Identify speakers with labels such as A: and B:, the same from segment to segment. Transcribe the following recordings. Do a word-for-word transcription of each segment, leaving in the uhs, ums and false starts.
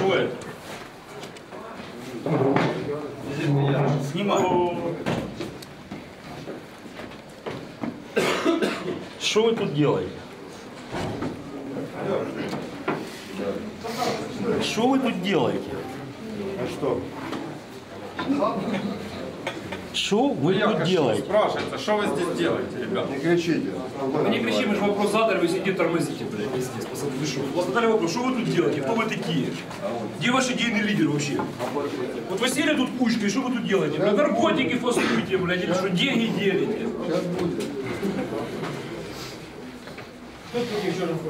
A: Что это? Снимай. Что вы тут делаете? Что вы тут делаете?
B: А что?
A: Что вы
C: Я
A: тут
C: хочу
A: делаете?
C: спрашивается, что вы здесь делаете, ребят?
B: Не кричите.
D: Мы не кричим, мы же вопрос задали, вы сидите тормозите, блядь, пиздец, пацаны, вы что? У вас задали вопрос, что вы тут делаете, кто вы такие? Где ваш идейный лидер вообще? Вот вы сели тут кучкой, что вы тут делаете? Блядь, наркотики фасуете, блядь, или что, деньги делите?
B: Сейчас будет.
D: Кто такие еще раз?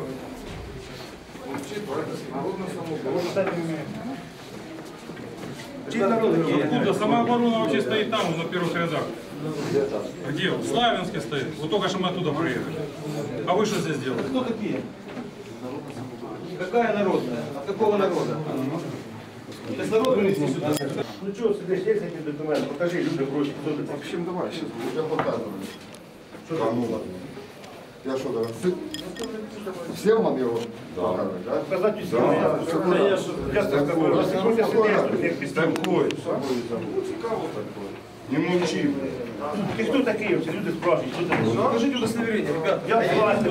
C: Откуда? Самооборона вообще стоит там, на первых рядах. Где? В Славянске стоит. Вот только что мы оттуда приехали. А вы что здесь делаете?
D: Кто такие? Какая народная? От какого народа? То есть народ вынесли сюда.
E: Ну что, сидишь, есть эти документы? Покажи, люди просят, кто ты.
B: В общем, давай, сейчас я показываю. Что там? Ну ладно. Я что, давай? Всем вам его показывать, да?
E: Показать усилия. Да, я же часто говорю, если просят сидеть, всех
B: Такой. Ну, цікаво такой. Не молчи.
E: Ты кто такие вообще? Люди спрашивают, кто ты?
D: Покажите удостоверение, ребят.
E: Я власть.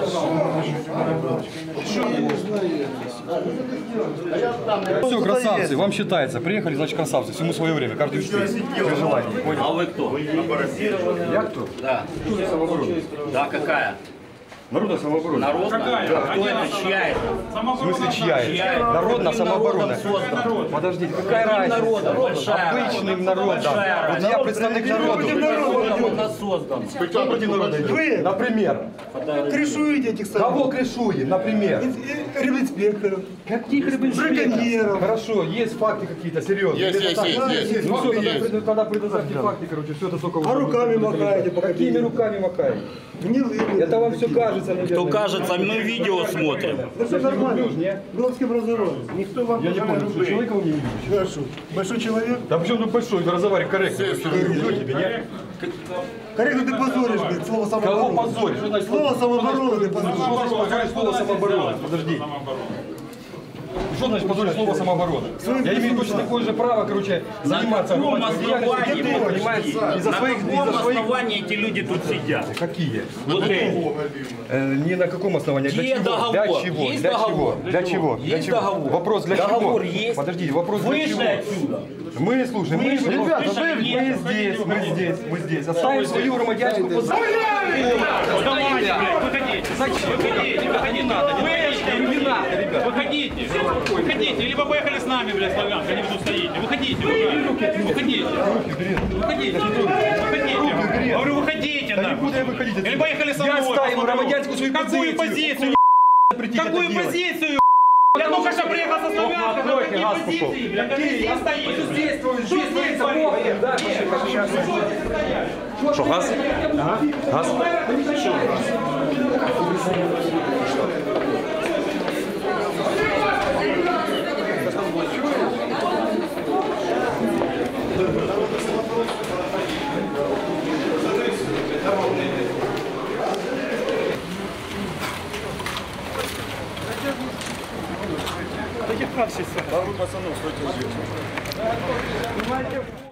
F: Все, красавцы, вам считается. Приехали, значит, красавцы. Всему свое время, каждый учитель. При желании. Понял?
A: А вы кто?
F: Я кто?
A: Да. Да, какая?
F: Народная самооборона.
A: Народная?
C: Какая?
A: Кто
C: Они
A: это?
C: нас-
A: Чья это?
F: В
C: Самооборона.
F: смысле, чья
A: Чья
F: это?
A: это?
F: Народная
A: Каким
F: самооборона.
A: народом создана?
F: Подождите, какая
A: Каким
F: разница?
A: народом? Большая
F: Обычным
A: разница.
F: народом.
A: Большая
F: Вот я представник народа.
A: Каким народом он нас создан?
F: Кто против народа идет? Например.
E: Крышуете этих
F: Кого крышуем, например?
E: рыбинспекторов.
F: Каких браконьеров? Хорошо, есть факты какие-то серьезные.
B: Есть,
F: Это
B: есть,
F: так?
B: есть, есть.
F: Ну все,
B: Факты
F: тогда,
B: есть.
F: пред- тогда предоставьте факты, короче, все это только...
E: А руками махаете, по
F: Какими
E: каким?
F: руками махаете?
E: Гнилыми.
F: Это вам все кажется, наверное.
A: Кто кажется, мы видео смотрим.
E: Ну все нормально. Бровским разговором. Никто вам
F: Я не понял, что человека вы не видите?
E: Хорошо. Большой человек.
F: Да почему тут большой, ты разговаривай корректно. Вообще не люблю тебя, нет?
E: Корректно ты позоришь, блядь, слово
F: Кого
E: самооборона.
F: позоришь? Что значит
E: Слово самооборона ты
F: Что
E: позоришь.
F: значит позорить слово самооборона? Подожди. Что значит позорить слово самооборона? Я имею точно такое же право, короче, заниматься
A: каком
F: обывательской
A: основании
F: деятельностью,
A: вы
F: понимаете,
A: пришли?
F: из-за
A: На
F: своих,
A: каком
F: из-за своих...
A: основании эти люди тут сидят?
F: Какие?
A: Вот эти.
F: Э, не на каком основании, для
A: Где
F: чего?
A: договор?
F: Для чего?
A: Есть
F: Для
A: договор?
F: чего? Для чего? Для
A: Есть
F: чего?
A: договор?
F: Вопрос для чего?
A: Договор есть?
F: Подождите, вопрос для
A: Вышли
F: чего?
A: отсюда.
F: Мы, слушай, мы,
A: Вышли.
F: ребята,
A: Вышли.
F: мы,
A: Нет.
F: мы здесь, мы здесь, мы здесь. Оставим свою громадянскую позицию.
C: Давайте, блядь, выходите.
F: Зачем?
C: Выходите, выходите.
F: Не надо,
C: Не надо, ребят. Выходите. Выходите. Либо поехали с нами, блядь, Славянск, они тут стоите. Выходите, выходите. Выходите. Выходите. Выходите. Говорю, выходите,
F: Да не
C: нахуй.
F: буду я выходить.
C: Или поехали со мной.
F: Я ставлю
C: посмотрю.
F: громадянскую свою
C: Какую
F: позицию.
C: позицию?
F: Прийти
C: Какую
F: это делать.
C: позицию? Я только что приехал со Славянска. Какие позиции, блядь? Какие здесь стоите?
F: Здесь,
C: Что
F: здесь,
C: здесь
F: да,
C: стоите?
F: да,
C: Что
F: газ? Газ?
E: Таких как сейчас?
B: Да вы, пацаны, стойте здесь.